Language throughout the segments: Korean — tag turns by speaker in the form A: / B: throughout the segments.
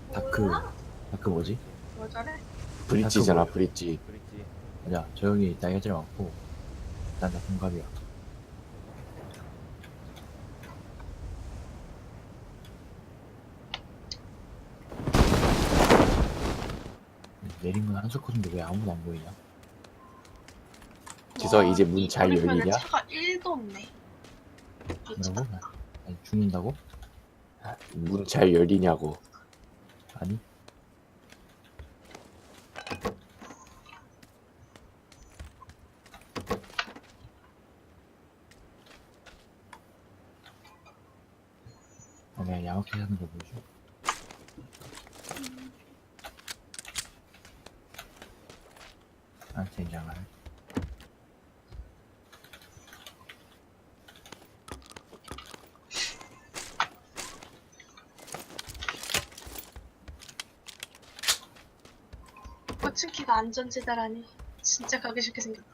A: 다크 뭐지?
B: 뭐 저래?
C: 브릿지잖아,
A: 뭐야?
C: 브릿지.
D: 브릿지.
A: 맞아, 저 형이 나이가 제일 많고 난 다 동갑이야. 내린 건 한석호인데 왜 아무도 안 보이냐?
C: 지서
B: 와,
C: 이제 문
B: 이
C: 잘
B: 거리면은
C: 열리냐?
B: 차가 1도 없네.
A: 뭐라고? 아니, 죽는다고?
C: 문 잘 열리냐고.
A: 아니? 내가 야먹게 하는 거 보여줘. 아, 젠장을.
B: 호칭키가 안전지대라니 진짜 가기 싫게 생겼다.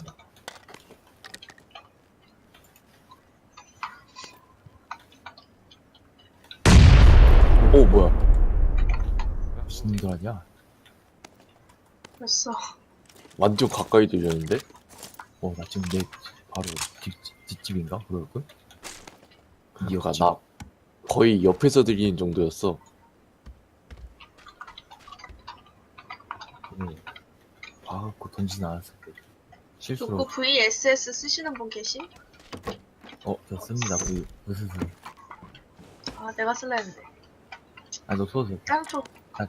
C: 오, 뭐야.
A: 무슨 일 하냐?
B: 벌써
C: 완전 가까이 들렸는데?
A: 나 지금 내 바로 뒷집인가? 그럴걸?
C: 그니까 나 거의 옆에서 들리는 정도였어.
A: 봐갖고 던지진 않았을 때. 실수로,
B: 조코 VSS 쓰시는 분 계시?
A: 저 씁니다. 으스스.
B: 아 내가 쓸라 했는데.
A: 너 써도 돼.
B: 짱초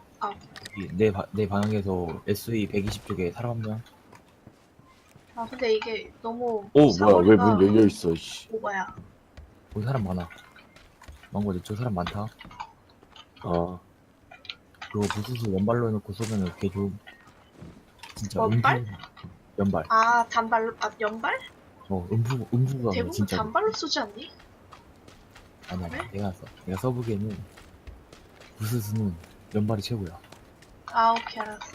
A: 내 방향에서 SE 120쪽에 사람 한 명.
B: 아 근데 이게 너무
C: 오, 뭐야. 왜
B: 사거리가
C: 문 열려있어, 씨.
B: 오바야.
A: 거기 사람 많아. 망고 내쪽 사람 많다.
C: 어.
A: 그거 부수수 연발로 해놓고 쏘면은 개 좋음. 진짜
B: 연발?
A: 연발.
B: 아 단발로 연발?
A: 음부가
B: 대부분
A: 진짜.
B: 단발로 쏘지 않니?
A: 아니야,
B: 왜?
A: 내가 써보기에는 부수수는 연발이 최고야.
B: 아 오케이 알았어.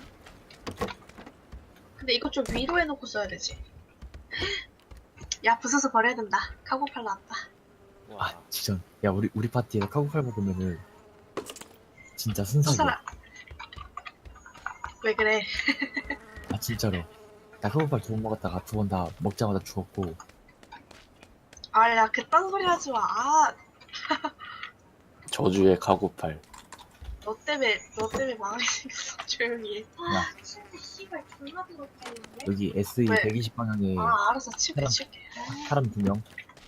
B: 근데 이거 좀 위로 해놓고 써야 되지. 야 부숴서 버려야 된다. 카고팔 나왔다.
D: 와.
A: 진짜. 야, 우리 파티에 카고팔 먹으면은 진짜
B: 또
A: 순삭이야.
B: 살아. 왜 그래?
A: 진짜로. 나 카고팔 2번 먹었다가 2번 다 먹자마자 죽었고.
B: 아 야 그딴 소리 하지 마. 아
C: 저주의 가구팔.
B: 너 때문에 망하게 생겼어. 조용히 해.
A: 야,
B: 씨발 존나 더럽다 이거.
A: 여기 SE
B: 왜?
A: 120 방향에
B: 아 알았어 칠게
A: 사람.
B: 칠게.
A: 사람 2명.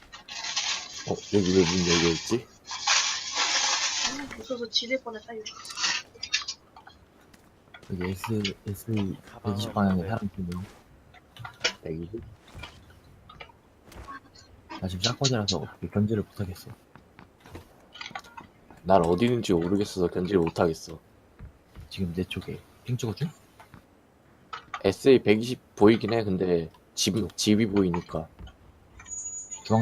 C: 여기 왜 문 열려있지?
B: 무서워서 지릴 뻔했다 이거.
A: 여기 SE 120 방향에 사람 2명.
C: 여기.
A: 나 지금 샷건이라서 견제를 못하겠어.
C: 난 어디 있는지 모르겠어서 견지를 못하겠어.
A: 지금 내 쪽에 핑 찍어줘?
C: SA 120 보이긴 해. 근데 집이 보이니까.
A: 중앙.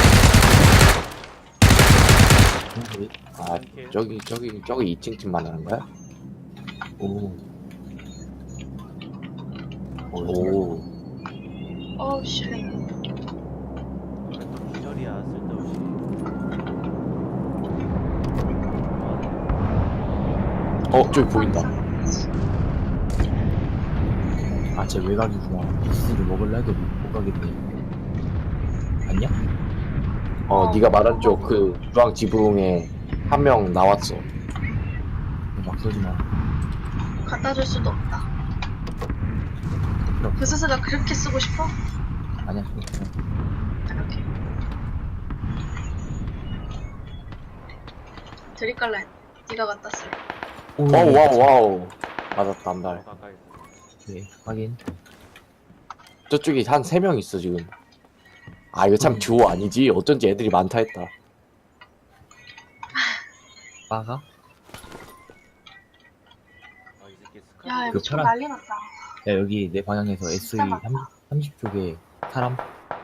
A: 중앙.
C: 아, 저기 2층 집 말하는 거야?
A: 오.
C: 오.
B: 어우 씨.
D: 또 기절이야 쓸데없이.
C: 저기 보인다.
A: 쟤 외곽이구나. 부스를 먹을라 해도 못 가겠네. 아니야?
C: 네가 말한 쪽 그 주황 지붕에 한 명 나왔어.
A: 막 쏘지 마.
B: 갖다 줄 수도 없다.
A: 필요 없어.
B: 부스스가 그렇게 쓰고 싶어?
A: 아니야, 필요 없어.
B: 이렇게. 드릴깔라 했네. 네가 갖다 쓰.
A: 오,
C: 와우. 맞았다, 한 발.
D: 가까이.
A: 네, 확인.
C: 저쪽에 한 3명 있어, 지금. 이거 참 듀오 아니지? 어쩐지 애들이 많다 했다.
A: 빠가?
D: 이 새끼
B: 야 이거
A: 그
B: 좀
A: 파란-
B: 난리 났다.
A: 야, 여기 내 방향에서 SE
B: 진짜 많다.
A: 30쪽에 사람?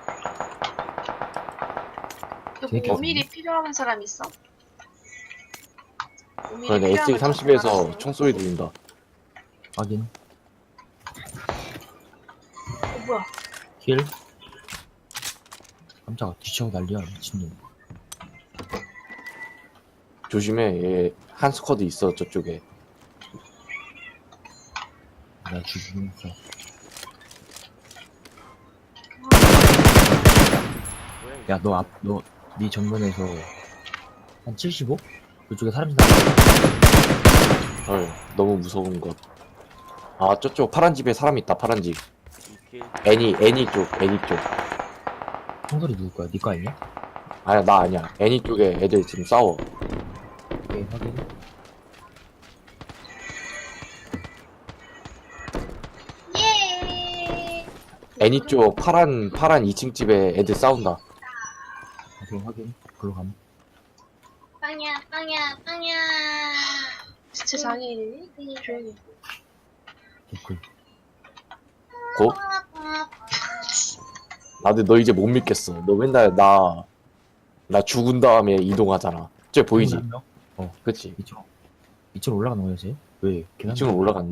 B: 여기
A: 재밌겠네.
B: 5mm 필요한 사람 있어? 5mm
C: 그러네,
B: 필요한
C: SA
B: 사람
C: 30에서
B: 알았어.
C: 총소리 들린다.
A: 확인.
B: 뭐야?
A: 킬? 깜짝아, 뒤치고 난리야, 미친놈.
C: 조심해, 얘 한 스쿼드 있어 저쪽에.
A: 나 죽이긴 했어. 야, 네 정면에서 한 75? 그쪽에 사람 지나가.
C: 헐, 너무 무서운 것. 아, 저쪽 파란 집에 사람 있다. 파란 집.
D: 이킬
C: 애니 쪽.
A: 총소리 누구 거야? 네 거 아니냐?
C: 아니야, 나 아니야. 애니 쪽에 애들 지금 싸워.
A: 오케이, 확인.
B: 예.
C: 애니 쪽 파란 2층 집에 애들 싸운다.
A: 오케이, 확인. 글로 가면.
B: 빵야. 진짜 장애인이니? 조용히.
A: 개꿀.
C: 고? 나도 너 이제 못 믿겠어. 너 맨날 나 죽은 다음에 이동하잖아. 저 보이지?
A: 한 명?
C: 그치?
A: 2층 올라가는 거야, 쟤? 왜? 계단
C: 2층으로 올라갔네.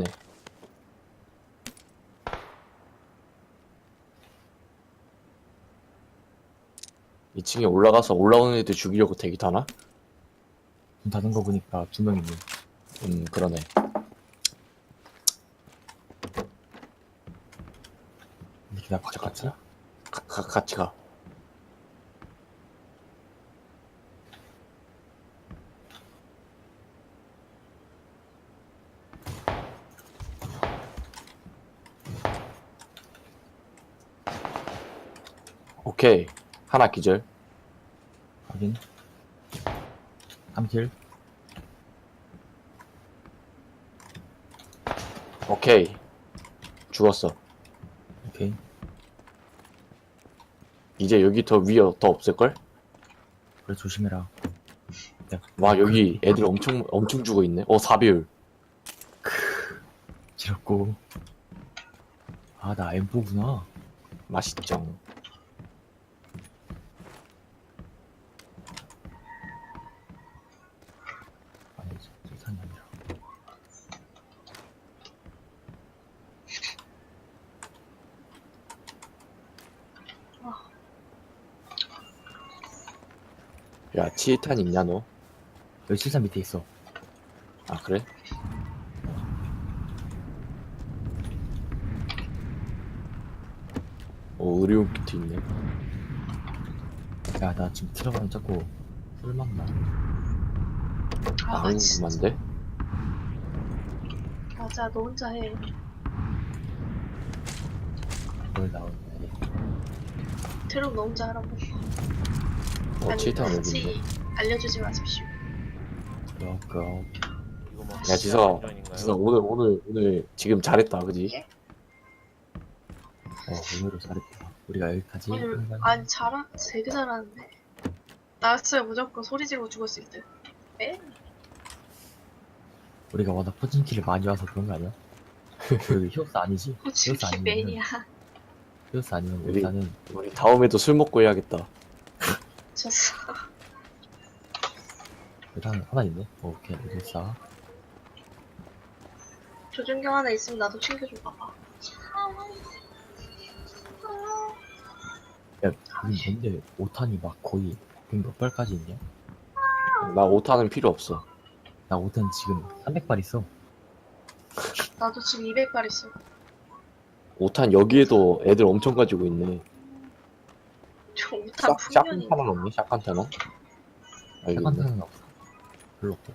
C: 이 층에 올라가서 올라오는 애들 죽이려고 대기 타나?
A: 문 닫은 거 보니까 2명 있네.
C: 그러네.
A: 이렇게 나 바짝 같이?
C: 같이 가. 오케이. 하나 기절.
A: 확인. 3킬.
C: 오케이. 죽었어.
A: 오케이.
C: 이제 여기 더 위에 더 없을걸?
A: 그래, 조심해라. 야,
C: 와, 여기 애들 엄청 죽어 있네. 4배율.
A: 지렸고. 아, 나 M4구나.
C: 맛있죠.
A: 아니, 세상이 아니라.
C: 야, 치탄 있냐, 너?
A: 여기 실산 밑에 있어.
C: 아, 그래? 의료용 키트 있네.
A: 야, 나 지금 들어가면 자꾸 술 나.
C: 아,
B: 진짜.
C: 궁금한데?
B: 맞아, 너 혼자 해.
A: 뭘 나오네.
B: 트럭 너 혼자 하라고. 아니,
C: 치탄 여기
B: 같이
C: 있네.
B: 알려주지 마십시오.
A: 그럼.
D: 이거 뭐
C: 야, 지성아,
D: 안전인가요?
C: 오늘 지금 잘했다, 그지?
B: 예?
A: 오늘도 잘했다. 우리가 여기까지.
B: 오늘
A: 한 번.
B: 아니 되게 잘하는데. 나였어요 무조건 소리 지르고 죽었을 때. 에?
A: 우리가 워낙 포진키를 많이 와서 그런 거 아니야? 그 히오스 아니지? 히오스
B: 호치키
A: 아니면
B: 메인이야.
A: 히오스 아니면
C: 우리-
A: 일단은
C: 우리 다음에도 술 먹고 해야겠다.
B: 졌어.
A: 일단 하나 있네. 오케이, 히오스야.
B: 조준경 하나 있으면 나도 챙겨줘 봐봐.
A: 야, 여기 뭔데 5탄이 막 거의 100몇 발까지 있냐?
C: 나 5탄은 필요 없어.
A: 나 5탄 지금 300발 있어.
B: 나도 지금 200발 있어.
C: 5탄 여기에도 애들 엄청 가지고 있네.
B: 저 5탄 풍년이.
C: 샷건탄은 없니? 샷건탄은? 아, 이거 있네.
A: 샷건탄은 없어. 별로 없고.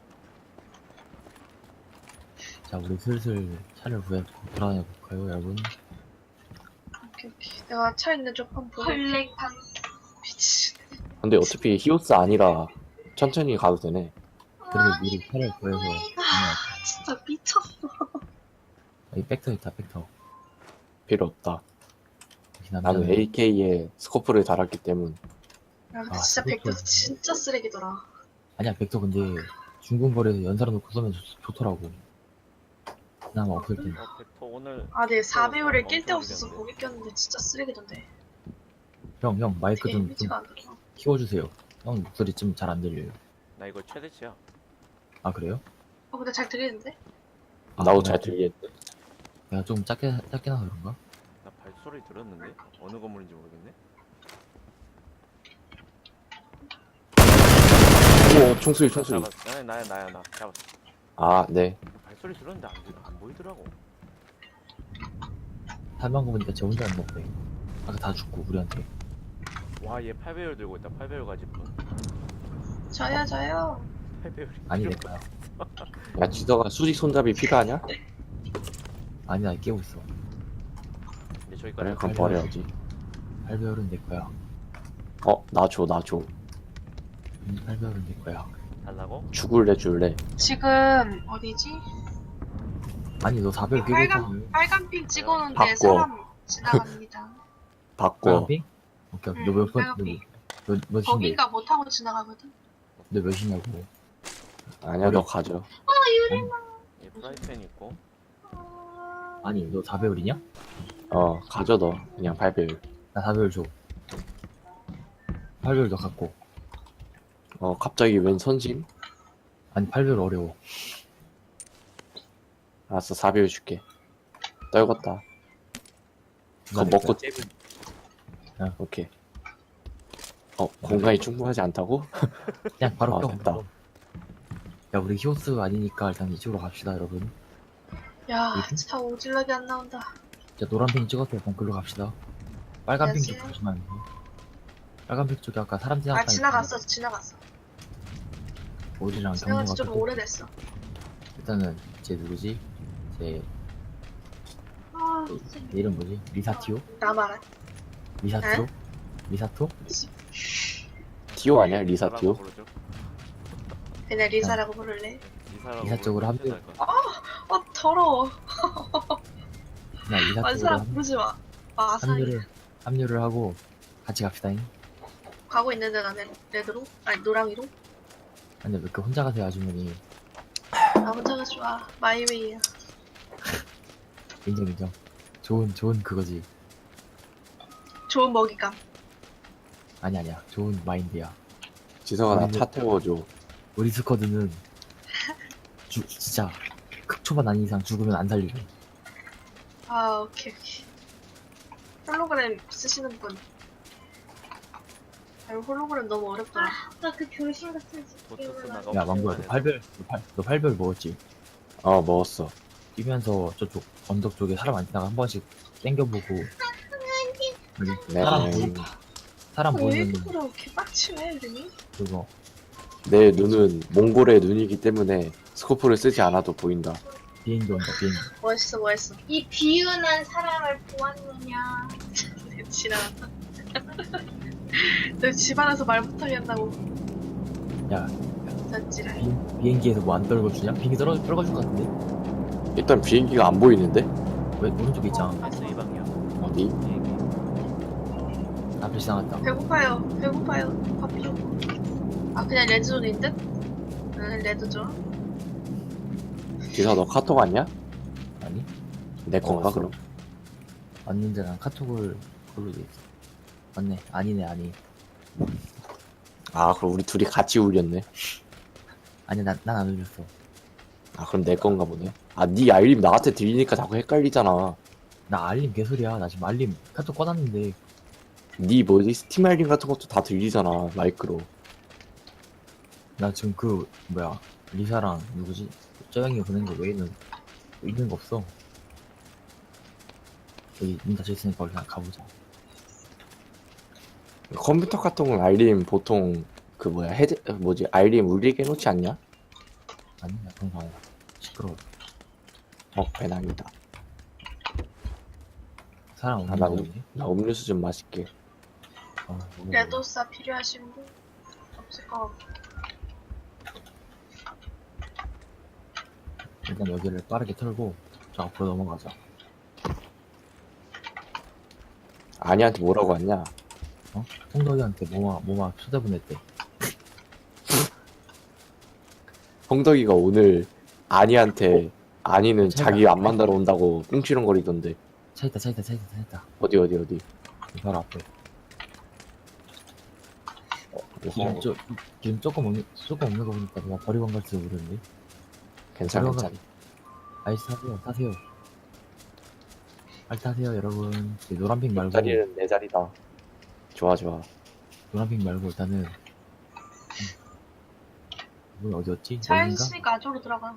A: 자, 우리 슬슬 차를 구해서 돌아다녀 볼까요, 여러분?
B: 오케이. 내가 차 있는 쪽 한번 보고. 헐랭판. 미친.
C: 근데 어차피 히오스 아니라 천천히 가도 되네.
A: 그래도 미리 차를 구해서 다녀야
B: 진짜 미쳤어.
A: 이 백터 있다, 백터.
C: 필요 없다.
A: 역시
C: 나는
A: 남자는
C: AK에 스코프를 달았기 때문.
B: 야 근데
A: 아,
B: 진짜
A: 그것도
B: 백도 진짜 쓰레기더라.
A: 아니야, 백터 근데 중군거리에서 연사로 놓고 쏘면 좋더라고. 그나마 없을 때.
D: 벡터 오늘
B: 아, 내 4배율을
D: 엄청
B: 낄 데 없어서
D: 느렸는데.
B: 거기 꼈는데 진짜 쓰레기던데.
A: 형, 마이크 좀
B: 데미지가 안 들어.
A: 키워주세요. 형 목소리 좀 잘 안 들려요.
D: 나 이거 최대치야.
A: 아, 그래요?
B: 근데 잘 들리는데?
A: 아,
C: 나도
A: 내가
C: 잘
A: 좀-
C: 들리겠네.
A: 내가 좀 작게 나서 그런가?
D: 나 발소리 들었는데 어느 건물인지 모르겠네.
C: 오, 총소리, 총소리.
D: 잡았어. 나야 나 잡았어.
C: 아, 네.
D: 발소리 들었는데 안 보이더라고.
A: 탈만 거 보니까 쟤 혼자 안 먹대. 아까 다 죽고 우리한테.
D: 와, 얘 8배율 들고 있다. 8배율 가질 분.
B: 저요.
D: 8배율이.
A: 아니 내 거야.
C: 야, 지더가 수직 손잡이 필요하냐?
A: 아니 나 깨고 있어.
D: 근데 저기까지.
C: 그래, 그럼 버려야지.
A: 8배율은 내 거야.
C: 나 줘.
A: 8배율은 내 거야.
D: 달라고?
C: 죽을래, 줄래?
B: 지금 어디지?
A: 아니 너 4배율 깨고 있잖아.
B: 빨간 핑 찍어놓은데
C: 바꿔.
B: 사람 지나갑니다.
C: 바꿔.
A: 빨간핑? 오케이 오케이. 너몇 번?
B: 빨간핑.
A: 너 몇인데?
B: 거긴가 못 타고 지나가거든.
A: 너 몇이냐고.
C: 아니야, 너 가져.
D: 얘 프라이팬 있고.
A: 아니 너 4배율이냐?
C: 가져, 너. 그냥 8배율.
A: 나 4배율 줘. 8배율 너 갖고.
C: 갑자기 웬 선심?
A: 아니 8배율 어려워.
C: 알았어, 4배율 줄게. 떨궜다. 그거
A: 내
C: 먹고
A: 거야.
C: 째면.
A: 야.
C: 오케이. 공간이 충분하지 않다고?
A: 그냥 바로 껴.
C: 됐다.
A: 야 우리 히오스 아니니까 일단 이쪽으로 갑시다 여러분.
B: 야,
A: 어디?
B: 차 오질러게 안 나온다.
A: 자 노란핑 찍었어요. 그럼 글로 갑시다. 빨간핑 쪽
B: 안녕하세요.
A: 보시면 안 돼. 빨간핑 쪽에 아까 사람
B: 아,
A: 지나갔다.
B: 지나갔어.
A: 우리랑
B: 지나간
A: 경로가
B: 지 좀
A: 똑같고.
B: 오래됐어.
A: 일단은 제 누구지? 제
B: 아,
A: 내 이름 뭐지? 리사티오?
B: 나 말아.
A: 리사티오? 리사토?
C: 티오 아니야? 리사 티오?
D: 리사라고 부르죠.
B: 그냥 리사라고 부를래.
D: 리사라고
A: 리사 쪽으로
D: 부르면
A: 합류.
D: 진짜 알 거야.
B: 더러워.
A: 그냥 리사 쪽으로
B: 완사람 부르지 마. 마사이.
A: 합류를 하고 같이 갑시다잉.
B: 가고 있는데 나는 레드로? 아니, 노랑이로?
A: 아니 왜 이렇게 혼자 가세요 아주머니.
B: 나 혼자가 좋아. 마이웨이야.
A: 인정. 좋은 그거지.
B: 좋은 먹이감.
A: 아니야. 좋은 마인드야.
C: 지성아, 나
A: 우리는-
C: 차 태워줘.
A: 우리 스쿼드는 진짜 극초반 아닌 이상 죽으면 안 살리고.
B: 아, 오케이. 홀로그램 쓰시는 분. 아니, 홀로그램 너무 어렵더라.
E: 나 그 교신 같은
D: 도트스 나가.
A: 야 망고야 너 8별 먹었지?
C: 먹었어.
A: 뛰면서 저쪽 언덕 쪽에 사람 안 지나가 한 번씩 땡겨보고. 여기
C: 네.
A: 사람
B: 왜
A: 보이면
B: 이렇게 개빡치네, 이름이?
A: 그거
C: 내 눈은 몽골의 눈이기 때문에 스코프를 쓰지 않아도 보인다.
A: 비행기 온다 비행기.
B: 멋있어.
E: 이 비운한 사람을 보았느냐.
B: 지나갔다. 너 집안에서 말 못하게 한다고.
A: 야
B: 졌지라.
A: 비행기에서 뭐 안 떨궈주냐? 비행기 떨궈줄 것 같은데?
C: 일단 비행기가 안 보이는데?
A: 왜 오른쪽에 있잖아.
D: S 이 방향.
C: 어디?
D: 비행기.
A: 앞에 지나갔다.
B: 배고파요. 밥 주고. 아, 그냥 레드존인 듯? 응, 레드존.
C: 지성, 너 카톡 왔냐?
A: 아니
C: 내 건가,
A: 왔어.
C: 그럼?
A: 왔는데 난 카톡을 걸로 돼 있어. 맞네. 아니.
C: 아, 그럼 우리 둘이 같이 울렸네.
A: 아니 난 안 울렸어.
C: 아, 그럼 내 건가 보네. 아, 네 알림 나한테 들리니까 자꾸 헷갈리잖아.
A: 나 알림 개소리야. 나 지금 알림 카톡 꺼놨는데.
C: 네 뭐지? 스팀 알림 같은 것도 다 들리잖아, 마이크로.
A: 나 지금 그 뭐야 리사랑 누구지? 저 형이 보낸 거 외에는 있는 거 없어. 여기 문 닫혀 있으니까 우리 그냥 가보자.
C: 컴퓨터 같은 건 알림 보통 그 뭐야 알림 울리게 해놓지 않냐?
A: 아니 나 그런 거 아니야. 시끄러워.
C: 배낭이다.
A: 사람 없는
C: 나,
A: 거 같네.
C: 나 음료수 좀 마실게.
A: 너무
B: 레도사 필요하신 분? 없을 것 같고.
A: 일단 여기를 빠르게 털고 저 앞으로 넘어가자.
C: 아니한테 뭐라고 했냐?
A: 홍덕이한테 뭐마 초대보냈대.
C: 홍덕이가 오늘 아니한테 아니는
A: 차이가-
C: 자기 안 만나러 온다고 꿍치렁거리던데.
A: 차 있다.
C: 어디?
A: 여기 바로 앞에. 지금 조금 없는 거 보니까 누가 버리고 간 걸지도 모르는데.
C: 괜찮아.
A: 아이스 타세요. 빨리 타세요 여러분. 노란핑 말고
C: 자리는 내 자리다. 좋아.
A: 노란핑 말고 일단은 이건 어디였지?
B: 차
A: 여긴가?
B: 있으니까 안쪽으로 들어가.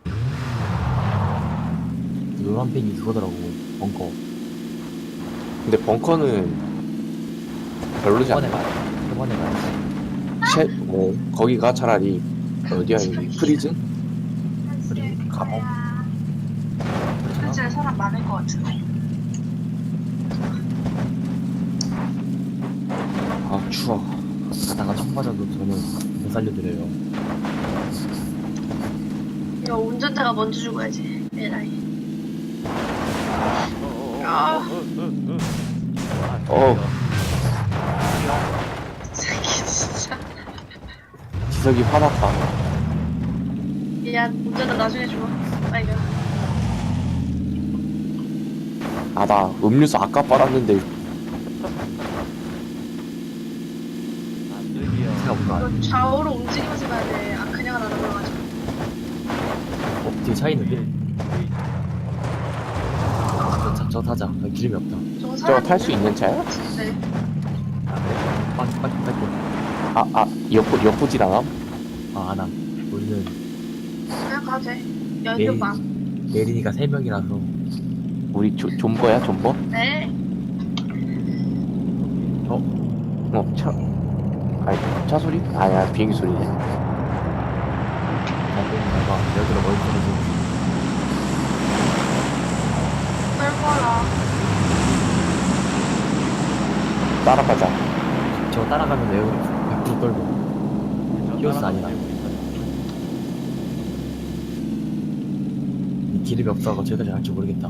A: 노란 펜이 그거더라고. 벙커.
C: 근데 벙커는 별로지
A: 초반에
C: 않나?
A: 가야 초반에 가야지.
C: 거기가 차라리 어디야 여기 프리즌?
A: 그래, 감옥. 그렇잖아.
B: 현실에 사람 많을 것 같은데.
C: 아 추워.
A: 가다가 총 맞아도 저는 못 살려드려요.
B: 이거 운전자가 먼저 죽어야지. 에라이.
C: 어.
B: 새끼 진짜.
C: 지석이 화났다.
B: 미안. 운전자 나중에 죽어. 아이고.
C: 아 나 음료수 아까 빨았는데
A: 차가 뭔가
B: 이거 좌우로 움직이면서 가야 돼. 아 그냥 안 올라가지고.
A: 뒤에 차 있는데? 저 타자. 여기 기름이 없다.
C: 저거 탈 수 있는 차야?
B: 네.
A: 아 그래? 빨리 탈게.
C: 엿보질 않아?
A: 아 안함. 우리는
B: 그냥 가도 돼.
A: 내일
B: 연료방.
A: 내리니까 3명이라서.
C: 우리 존버야 존버?
B: 네.
C: 차 아니 차 소리? 아니야 비행기 소리네.
A: 봐봐. 여기로 멀리 떨어져.
B: 떨궈라.
C: 따라가자.
A: 저 따라가면 여기 100% 떨고. 히오스 아니라. 기름이 없어서 저기까지 갈지 모르겠다.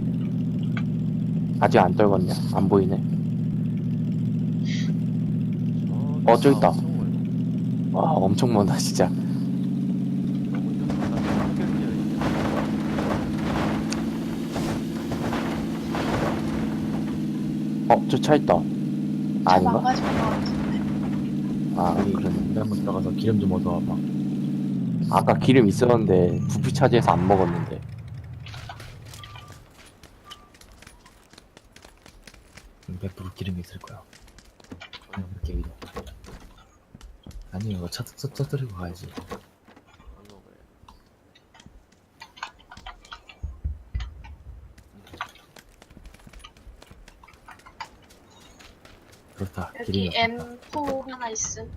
C: 아직 안 떨궜냐? 안 보이네. 저기 있다. 와 엄청 멀다 진짜. 저 차 있다. 아닌가?
B: 망가진 것 같은데.
C: 아
A: 우리
C: 그러네.
A: 우리 한번 들어가서 기름 좀 얻어와봐.
C: 아까 기름 있었는데 부피 차지해서 안 먹었는데.
A: 100% 기름이 있을 거야. 이렇게 이동. 아니 이거 차 터뜨리고 가야지. 그렇다. 기름이
B: 여기
A: 없다.
B: M4 하나 있음.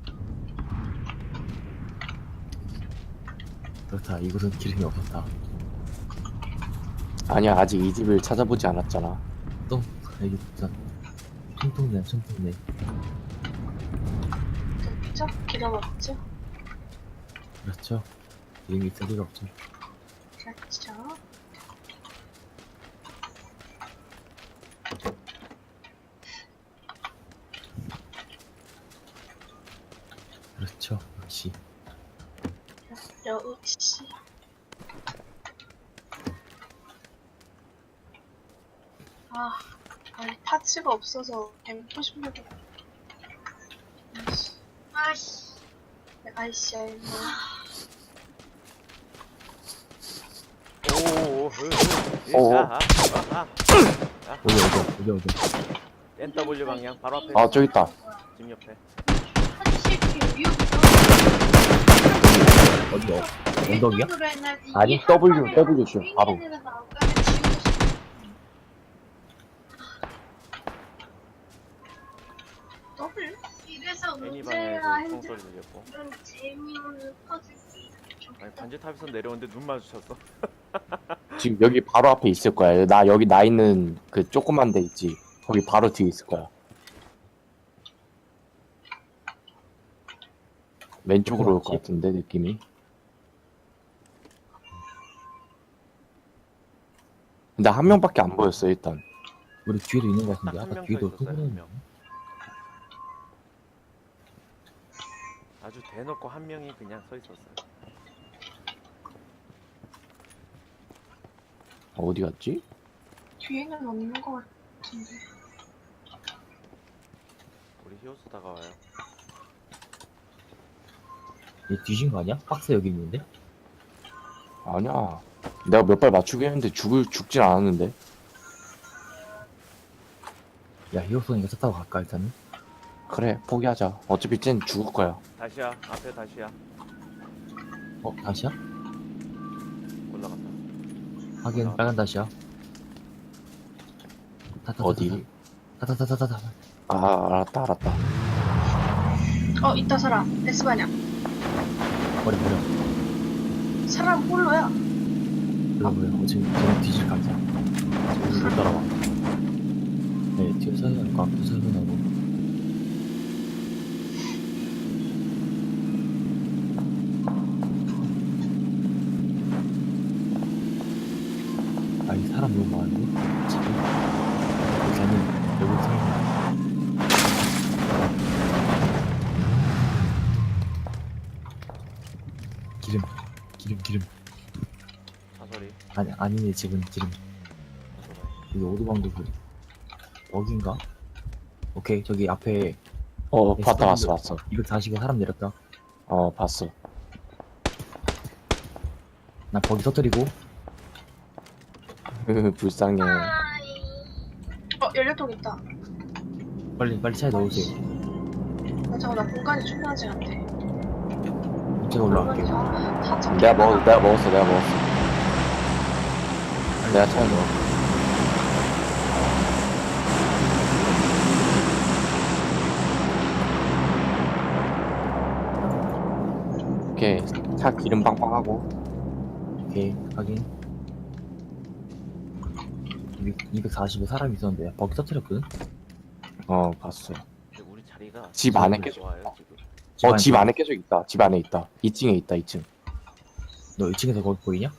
A: 그렇다. 이곳은 기름이 없었다.
C: 아니야 아직 이 집을 찾아보지 않았잖아.
A: 또 여기 진짜 총통네.
B: 그쵸? 기름 없죠?
A: 그렇죠. 기름이 있을 리가 없죠.
B: 그렇죠.
A: 그렇죠. 역시.
B: 역시. 아니 파츠가 없어서 M4 신발도. 아이씨. 아이씨, 뭐.
A: 어디.
D: NW 방향 바로 앞에.
C: 아 저기 있다.
D: 집 옆에.
E: 사실 위협
A: 어디요? 언덕이야?
C: 아니, W 죠, 바로.
B: 더블?
E: 이래서
D: 애니
E: 문제야
D: 방향에서
E: 핸드
D: 총소리 들렸고.
E: 이런 재미없는 퍼즐이
D: 아니 반지 탑에서 내려오는데 눈 마주쳤어.
C: 지금 여기 바로 앞에 있을 거야. 여기 나 있는 그 조그만 데 있지. 거기 바로 뒤에 있을 거야. 왼쪽으로 올 것 같은데 느낌이. 근데 한 명밖에 안 보였어 일단.
A: 우리 뒤에도 있는 것 같은데.
D: 딱한
A: 아까
D: 명
A: 뒤에도
D: 서 있었어요,
A: 소문이
D: 한 명. 아주 대놓고 한 명이 그냥 서 있었어요.
C: 어디 갔지?
B: 뒤에는 없는 것 같은데.
D: 우리 히오스 다가와요.
A: 얘 뒤진 거 아니야? 박스 여기 있는데?
C: 아니야. 내가 몇 발 맞추긴 했는데 죽진 않았는데.
A: 야 히오스니까 차 타고 갈까 일단은?
C: 그래 포기하자. 어차피 쟨 죽을 거야.
D: 다시야 앞에 다시야.
A: 다시야?
D: 올라갔다.
A: 확인, 빨간 다시야.
C: 어디?
A: 타타타타타타.
C: 아, 알았다.
B: 있다 사람. S반향.
A: 버려.
B: 사람 홀로야.
A: 버려. 지금 뒤질 각이야. 지금 못 따라와. 네, 뒤에 사이가 앞에 사이가 나고. 아니, 사람 너무 많은데? 지금? 여기 아니면, 여기 사람. 기름.
D: 사소리.
A: 아니네, 지금. 여기 오도방도 그, 여긴가? 오케이, 저기 앞에,
C: 봤어.
A: 240에 사람 내렸다.
C: 봤어.
A: 나 거기 터뜨리고,
C: 불쌍해.
B: 연료통 있다.
A: 빨리 차에 넣으세요.
B: 나 공간이 충분하지 않대.
A: 제가 올라갈게요.
C: 내가 먹었어. 내가 차에 넣어. 오케이. 차 기름 빵빵하고.
A: 오케이, 확인. 240에 사람이 있었는데, 거기 터뜨렸거든?
C: 봤어.
D: 근데 우리 자리가
C: 집 안에
D: 너무
C: 계속
D: 좋아요 지금.
C: 집 안에 계속 있다. 집 안에 있다. 2층에 있다, 2층.
A: 너 2층에서 거기 보이냐?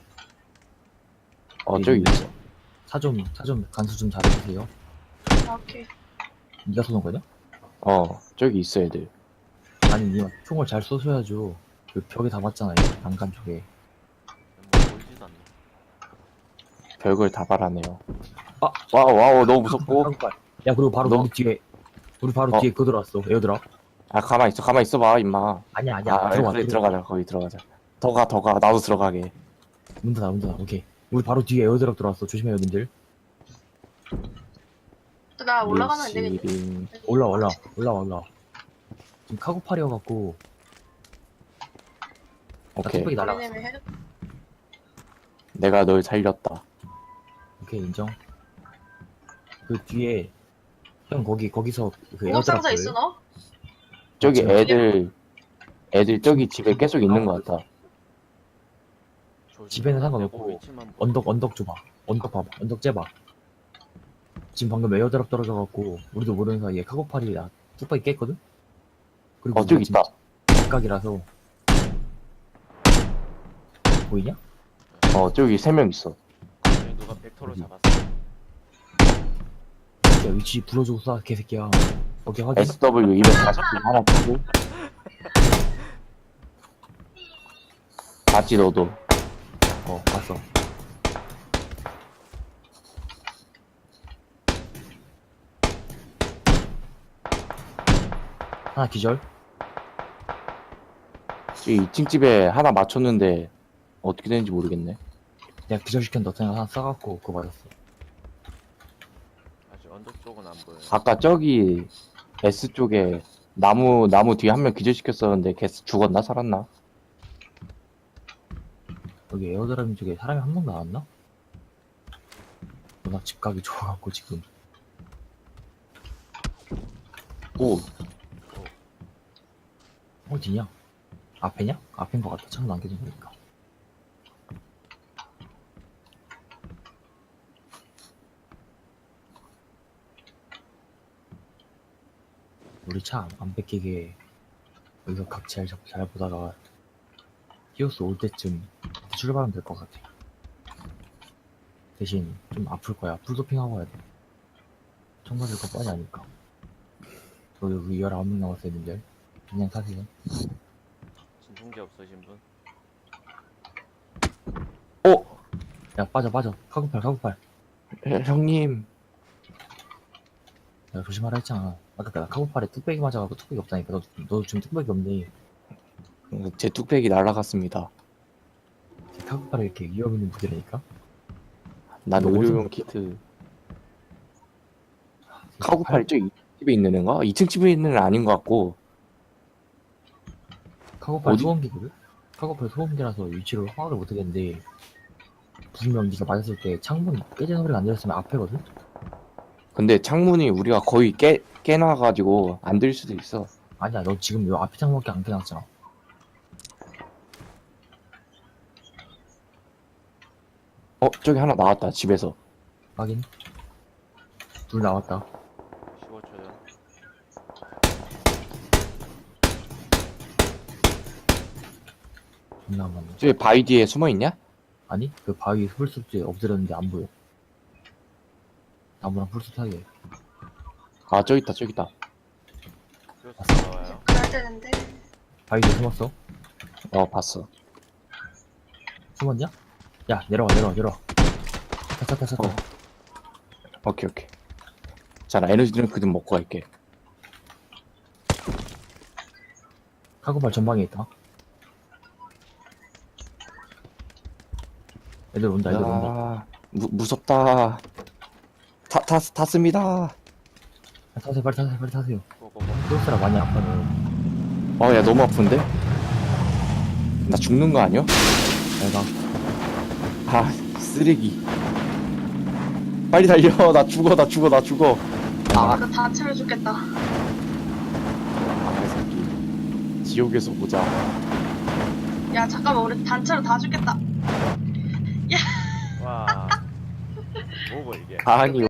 C: 저기 있어.
A: 차 좀 간수 좀 잘해주세요.
B: 오케이.
A: 니가 쏘는 거냐?
C: 저기 있어, 애들.
A: 아니, 니가 총을 잘 쏘셔야죠. 그 벽에 다 맞잖아, 난간 쪽에.
D: 뭐 보이지도 않네.
C: 별걸 다 바라네요.
A: 아!
C: 와우, 너무 무섭고.
A: 야, 그리고 바로
C: 너-
A: 우리 바로 뒤에 그거 들어왔어, 에어드랍.
C: 가만 있어봐, 임마.
A: 아니야,
C: 그래, 들어가자, 거기 들어가자. 더 가, 나도 들어가게.
A: 문 닫아, 오케이. 우리 바로 뒤에 에어드랍 들어왔어, 조심해요, 님들.
B: 나 올라가면 안 되겠네.
C: 밀시린.
A: 올라와. 지금 카고팔이어갖고,
C: 오케이.
A: 뚝배기 날아갔어.
B: 왜냐면 헤드
C: 내가 널 살렸다.
A: 오케이, 인정. 그 뒤에, 형, 거기서 그 에어드랍
B: 공업상자 있어
A: 보여요?
B: 너?
C: 저기
A: 지금
C: 애들 저기 집에 계속 있는 것 같다.
D: 조심.
A: 집에는 상관없고,
D: 내고 위치만 보고.
A: 언덕 줘봐. 언덕 봐봐. 언덕 째봐. 지금 방금 에어드랍 떨어져갖고 우리도 모르는 사이에 카고팔이 뚝배기 깼거든? 그리고
C: 저기 있다.
A: 각이라서 보이냐?
C: 저기 3명 있어.
D: 저기 누가 벡터로
A: 어디?
D: 잡았어.
A: 야, 위치 불러주고 쏴, 개새끼야. 오케이, 확인.
C: SW 240 하나 주고. 봤지 너도.
A: 봤어. 하나 기절.
C: 저기 2층 집에 하나 맞췄는데 어떻게 되는지 모르겠네.
A: 내가 기절시켰는데 어떤 하나 싸갖고 그거 맞았어.
D: 아직 언덕 쪽은 안 보여.
C: 아까 저기 S 쪽에 나무 뒤에 한 명 기절시켰었는데 걔 죽었나 살았나?
A: 여기 에어드랍 쪽에 사람이 한 명 나왔나? 워낙 집각이 좋아갖고 지금.
C: 오,
A: 어디냐? 앞에냐? 앞인 것 같아. 창 남겨진 거니까. 우리 차 안 뺏기게 여기서 각 잘 보다가 히오스 올 때쯤 출발하면 될 것 같아. 대신 좀 아플 거야. 풀도핑하고 와야 돼. 총 맞을 거 뻔히 아니까. 여기 19명 남았어요, 님들. 그냥 타세요.
D: 진통제 없으신 분?
A: 야, 빠져. 카고팔.
C: 형님.
A: 내가 조심하라 했잖아. 아까 나 카고팔에 뚝배기 맞아갖고 뚝배기 없다니까. 너 지금 뚝배기 없네.
C: 제 뚝배기 날아갔습니다.
A: 카고팔에 이렇게 위험 있는 무기라니까?
C: 난
A: 너
C: 의료용
A: 어디서-
C: 키트. 카고팔 저 2층 집에 있는 애인가? 2층 집에 있는 애는 아닌 것 같고.
A: 카고팔
C: 어디?
A: 소원기거든? 카고팔 소음기라서 위치를 파악을 못하겠는데 분명 네가 맞았을 때 창문 깨지는 소리가 안 들렸으면 앞에거든?
C: 근데 창문이 우리가 거의 깨놔가지고 안 들릴 수도 있어.
A: 아니야 너 지금 요 앞에 창문밖에 안 깨놨잖아.
C: 저기 하나 나왔다, 집에서.
A: 확인. 둘 나왔다.
D: 15초 전.
A: 존나 안 맞네.
C: 저기 바위 뒤에 숨어있냐?
A: 아니 그 바위 풀숲에 엎드렸는데 안 보여. 나무랑 풀숲 사이에.
C: 아, 저기 있다, 저기 있다.
D: 히오스 나와요.
B: 가야 되는데.
A: 바위 뒤에 숨었어?
C: 봤어.
A: 숨었냐? 야 내려와. 차.
C: 오케이. 자, 나 에너지 드링크 좀 먹고 갈게.
A: 카고팔 전방에 있다. 애들 온다.
C: 야, 무섭다. 탔습니다.
A: 야, 타세요 빨리 타세요.
D: 고고고.
A: 히오스라 많이 아파요.
C: 야, 너무 아픈데? 나 죽는 거 아니야?
A: 내가
C: 쓰레기. 빨리 달려. 나 죽어.
B: 아, 이거 다 차려 죽겠다.
C: 이 새끼. 지옥에서 보자.
B: 야, 잠깐만, 우리 단체로 다 죽겠다.
D: 와. 뭐고 이게?
C: 아니,